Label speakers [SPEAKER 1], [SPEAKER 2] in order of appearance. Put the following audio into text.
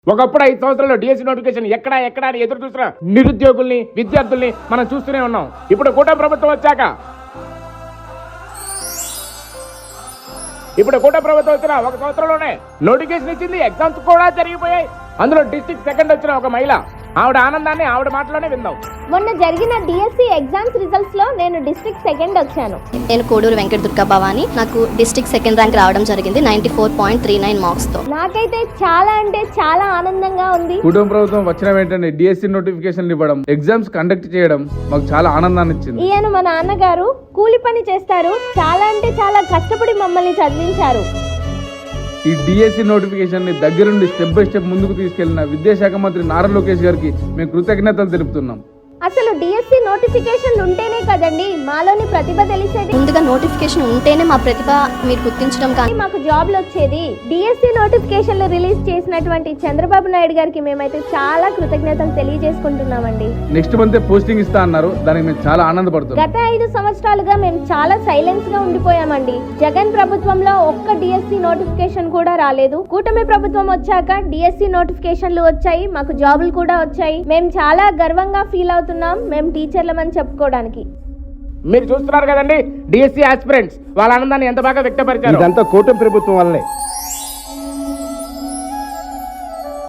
[SPEAKER 1] ఒకప్పుడు 5 సంవత్సరాల్లో DSC notification ఎక్కడా అని ఎదురు చూసిన నిరుద్యోగుల్ని విద్యార్థుల్ని మనం చూస్తూనే ఉన్నాం. ఇప్పుడు కూటమి ప్రభుత్వం వచ్చాక వచ్చిన 1 సంవత్సరంలోనే నోటిఫికేషన్ ఇచ్చింది. ఎగ్జామ్స్ కూడా జరిగిపోయాయి. అందులో డిస్ట్రిక్ట్ సెకండ్ వచ్చిన ఒక మహిళ, ఆవిడ ఆనందాన్ని ఆవిడ మాటలోనే విందాం.
[SPEAKER 2] మొన్న జరిగిన డిఎస్సి ఎగ్జామ్స్ రిజల్ట్స్ లో నేను డిస్ట్రిక్ట్ సెకండ్ వచ్చాను.
[SPEAKER 3] నేను కోడూరు వెంకట దుర్గా భవాని. నాకు డిస్ట్రిక్ట్ సెకండ్ ర్యాంక్ రావడం జరిగింది 94.39 మార్క్స్ తో.
[SPEAKER 2] నాకైతే చాలా అంటే చాలా ఆనందంగా ఉంది.
[SPEAKER 4] కుటుంబ ప్రభుత్వం వచ్చిన వెంటనే డిఎస్సి నోటిఫికేషన్ ఇవ్వడం, ఎగ్జామ్స్ కండక్ట్ చేయడం మాకు చాలా ఆనందాన్ని ఇచ్చింది.
[SPEAKER 2] ఈయన మా నాన్నగారు కూలి పని చేస్తారు. చాలా అంటే చాలా కష్టపడి మమ్మల్ని చదివించారు.
[SPEAKER 4] ఈ డిఎస్సి నోటిఫికేషన్ ని దగ్గరుండి స్టెప్ బై స్టెప్ ముందుకు తీసుకెళ్లిన విద్యాశాఖ మంత్రి నారా లోకేష్ గారికి మేము కృతజ్ఞతలు తెలుపుతున్నాం.
[SPEAKER 2] అసలు డిఎస్సి నోటిఫికేషన్ ఉంటేనే కదండి మాలోని ప్రతిభ తెలిసేది.
[SPEAKER 3] ముందుగా నోటిఫికేషన్ ఉంటేనే మా ప్రతిభ మీరు గుర్తించడం కానీ
[SPEAKER 2] మాకు జాబ్లు వచ్చేది. డిఎస్సి నోటిఫికేషన్లు రిలీజ్ చేసినటువంటి చంద్రబాబు నాయుడు గారికి మేమైతే చాలా కృతజ్ఞతలు తెలియజేసుకుంటున్నామండి.
[SPEAKER 4] నెక్స్ట్ మంత్ పోస్టింగ్ ఇస్తా అన్నారు. దానికి మేము చాలా ఆనందపడుతున్నాం.
[SPEAKER 2] గత 5 సంవత్సరాలుగా మేము చాలా సైలెన్స్ గా ఉండిపోయామండి. జగన్ ప్రభుత్వంలో ఒక్క డిఎస్సి నోటిఫికేషన్ కూడా రాలేదు. కూటమి ప్రభుత్వం వచ్చాక డిఎస్సి నోటిఫికేషన్లు వచ్చాయి. మాకు జాబులు కూడా వచ్చాయి. మేము చాలా గర్వంగా ఫీల్ అవుతున్నాం మేము టీచర్లమని చెప్పుకోవడానికి.
[SPEAKER 1] మీరు చూస్తున్నారు కదండి, డిఎస్సి ఆస్పిరెంట్స్ వాళ్ళ ఆనందాన్ని ఎంత బాగా వ్యక్తపరిచారు.
[SPEAKER 5] ఇదంతా కూటమి ప్రభుత్వం వల్లనే.